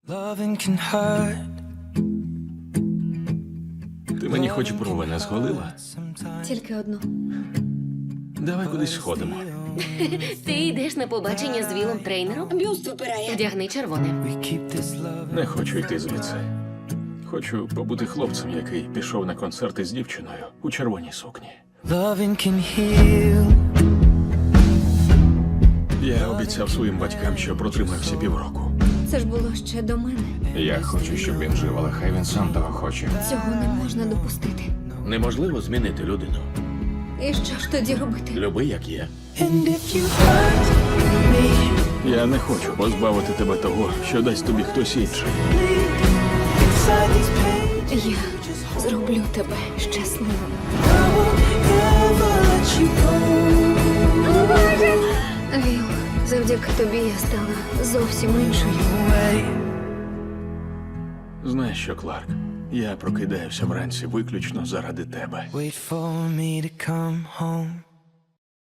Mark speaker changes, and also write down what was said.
Speaker 1: Loving can hurt.
Speaker 2: Ти мені хоч брови не зголила?
Speaker 3: Тільки одну.
Speaker 2: Давай кудись сходимо.
Speaker 4: Ти йдеш на побачення з Вілом трейнером?
Speaker 3: Бюст випирає.
Speaker 4: Вдягни червоне.
Speaker 1: We keep this love.
Speaker 2: Не хочу йти звідси. Хочу побути хлопцем, який пішов на концерти з дівчиною у червоній сукні.
Speaker 1: Loving can heal.
Speaker 2: Я обіцяв своїм батькам, що протримався півроку.
Speaker 3: Це ж було ще до мене.
Speaker 2: Я хочу, щоб він жив, але хай він сам того хоче.
Speaker 3: Цього не можна допустити.
Speaker 2: Неможливо змінити людину.
Speaker 3: І що ж тоді робити?
Speaker 2: Люби, як є.
Speaker 1: And if you hurt me,
Speaker 2: Я не хочу позбавити тебе того, що дасть тобі хтось інший.
Speaker 1: inside these pages,
Speaker 3: Я зроблю тебе щасливим.
Speaker 1: I won't ever let you go
Speaker 3: Віл, завдяки тобі я стала зовсім іншою.
Speaker 1: away.
Speaker 2: Знаєш що, Кларк? Я прокидаюся вранці виключно заради тебе.
Speaker 1: Wait for me to come home.